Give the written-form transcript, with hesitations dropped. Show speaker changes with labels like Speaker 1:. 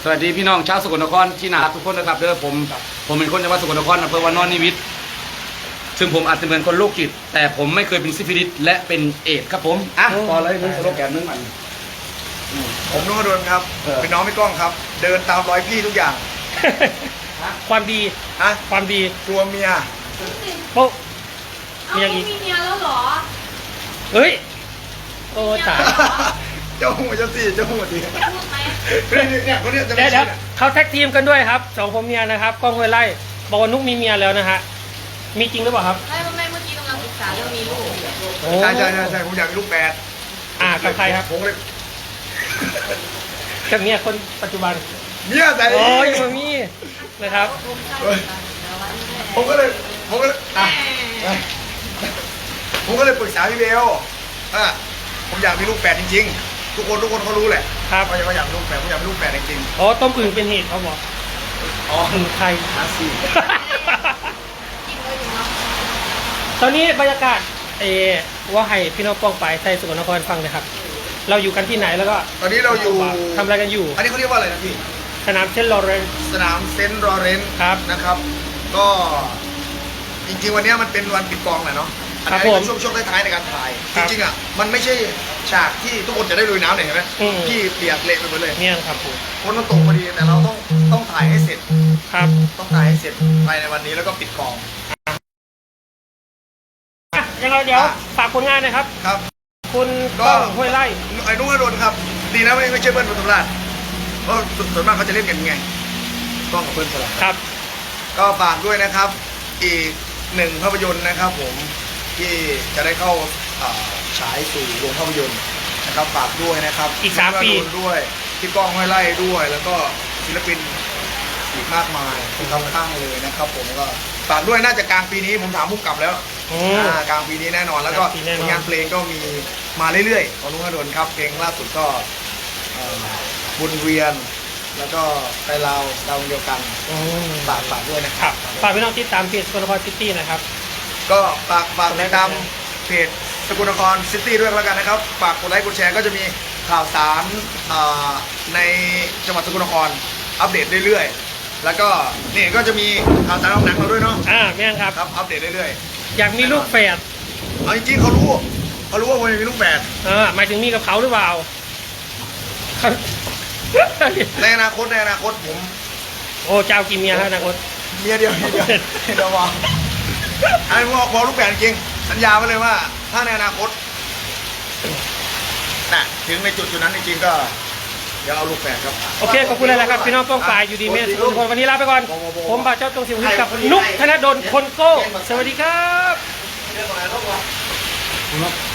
Speaker 1: วัสดีพี่น้องชาวสกลนครที่น่ารักทุกคนนะครับเด้อผมเป็นคนจังหวัดสกลนครอำเภอวานอนนิวิตซึ่งผมอาจจะเหมือนคนโรคจิตแต่ผมไม่เคยเป็นซิฟิลิสและเป็นเอดส์ครับผมพอเลยมึงสโลแกนมึงมัน
Speaker 2: ผมนุ่งกระโดนครับเป็นน้องพี่ก้องครับ เดินตามรอยพี่ทุกอย่าง
Speaker 3: ความดี
Speaker 2: ฮะ
Speaker 3: ความดี
Speaker 2: กลัวเมีย
Speaker 3: โป๊ะ
Speaker 4: เอาไม่มีเมียแล้วเหรอ
Speaker 3: เฮ้ยโอ้ตาย
Speaker 2: เจ้าหูเจ้าสี่เจ้าหูดี
Speaker 4: พูดไหม
Speaker 2: เนี่ยคนเนี้ยจะ
Speaker 3: เดี๋
Speaker 2: ไม่
Speaker 3: ยว
Speaker 2: ใช่
Speaker 3: เขาแท็กทีมกันด้วยครับสองผมเมียนะครับกล้องห้วยไร่บอกว่านุกมีเมียแล้วนะฮะมีจริงหรือเปล่าครับ
Speaker 4: ไม่เมื่อกี้กำลังปรึกษาเรื่องมีลูก
Speaker 3: โอ้
Speaker 2: ใช่ผมอยากมีลูกแปด
Speaker 3: กับใครครับ
Speaker 2: ผมเลย
Speaker 3: กับเมียคนปัจจุบัน
Speaker 2: เมียใส่
Speaker 3: โอ้ยมามีนะครับ
Speaker 2: ผมก็เลยอ่ะผมก็เลยปรึกษาพี่เบลผมอยากมีลูกแปดจริงๆทุกคนเขารู้แหละ
Speaker 3: ครับ
Speaker 2: ว่าอยากมีลูกแปดผมอยากมีลูกแปดจริง
Speaker 3: โอ้ต้มอึ่งเป็นเหตุเขาบอก
Speaker 2: ๆอ๋อ
Speaker 3: อึ่งไทย
Speaker 2: หาสี่
Speaker 4: จริงเลยอยู่เนาะ
Speaker 3: ตอนนี้บรรยากาศว่าให้พี่น้องป้องไปไทยสกลนครฟังเลยครับ เราอยู่กันที่ไหนแล้วก็
Speaker 2: ตอนนี้เราอยู่
Speaker 3: ทำอะไรกันอยู่
Speaker 2: อันนี้เขาเรียกว่าอะไรนะพี่
Speaker 3: สนามเชนลอเรนซ์
Speaker 2: สนามเซนต์ลอเรนซ์
Speaker 3: ครับ
Speaker 2: นะครับ ก็จริงๆวันนี้มันเป็นวันปิดกองแหละเนาะอัน
Speaker 3: ครับ
Speaker 2: นี้
Speaker 3: ผม
Speaker 2: เป็นช่วงท้ายๆในการถ่าย
Speaker 3: ค
Speaker 2: จ
Speaker 3: รับ
Speaker 2: ริงๆอ่ะมันไม่ใช่ฉากที่ทุกคนจะได้ลุยน้ำเนี่ยเห็นไหม
Speaker 3: อืม
Speaker 2: พี่เปียกเละไปหมดเลย
Speaker 3: เนี่ยครับผม
Speaker 2: คนมันตกพอดีแต่เราต้องถ่ายให้เสร็จ
Speaker 3: ครับ
Speaker 2: ต้องถ่ายให้เสร็จภายในวันนี้แล้วก็ปิดกอง
Speaker 3: ยังไงเดี๋ยวฝากผลงานหนะครับ
Speaker 2: ครับ
Speaker 3: คุณ
Speaker 2: ก็
Speaker 3: ก้องห้วยไร่
Speaker 2: ไอ้นุ่งอรุณครับ ดีนะไม่ใช่เบิ้ลปทุมราชเพราะส่วนมากเขาจะเล่นกันไงกล้องกับเบิ้ลสลับ
Speaker 3: ครับ
Speaker 2: ก็ฝากด้วยนะครับ อีกหนึ่งภาพยนตร์นะครับผมที่จะได้เข้าฉายสู่โรงภาพยนตร์นะครับฝากด้วยนะครับ
Speaker 3: อีก3 ปี
Speaker 2: พี่นุ่งอรุณด้วยพี่ก้องห้วยไล่ด้วย แล้วก็ศิลปินอีกมากมายคุณทำข้างเลยนะครับ ผมก็ฝากด้วยน่าจะกลางปีนี้ผมถามผู้กำกับแล้ว กลางปีนี้แน่นอนแล้วก็
Speaker 3: กลางปีแน่นอน
Speaker 2: ผลงานเพลงก็มีมาเรื่อยๆของลุงอรุณครับเพลงล่าสุดก็บุญเวียน แล้วก็ไปลาวดาวเดียวกันฝากด้วยนะค
Speaker 3: ค
Speaker 2: รั
Speaker 3: รับ บฝากพี่น้องติดตามเพจสกลนครซิตี้นะครับ
Speaker 2: ก็ฝากติดตามเพจสกลนครซิตี้ด้วยแล้วกันนะครับฝากกดไลค์กดแชร์ก็จะมีข่าวสารในจังหวัดสกลนครอัปเดตเรื่อยๆแล้วก็นี่ก็จะมีข่าวสารของหนังเราด้วยเนาะ
Speaker 3: แม่นครับ
Speaker 2: ครับอัปเดตเรื่อย
Speaker 3: อยากมีลูกแฝด
Speaker 2: ๆเอาจริงๆเขารู้ว่าผมจะมีลูกแฝด
Speaker 3: หมายถึงมีกับเขาหรือเปล่า
Speaker 2: ในอนาคตผม
Speaker 3: โอ้เจ้ากี่เมียฮะอนาคต
Speaker 2: เมียเดียวเดี๋ยวบอกอันนี้บอกลูกแฝดจริงสัญญาไว้เลยว่า ถ้าในอนาคตน่ะถึงในจุดนั้นจริงๆก็เดี๋ยวเอาลูกแฝดครับ
Speaker 3: โอเคขอบคุณเลยนะครับพี่น้องป้องปลายอยู่ดีเมสทุกคนวันนี้ลาไปก่อน ผมบ่าวเจ้าตรงสิวกับนุกธนดลคนโก้สวัสดีครับ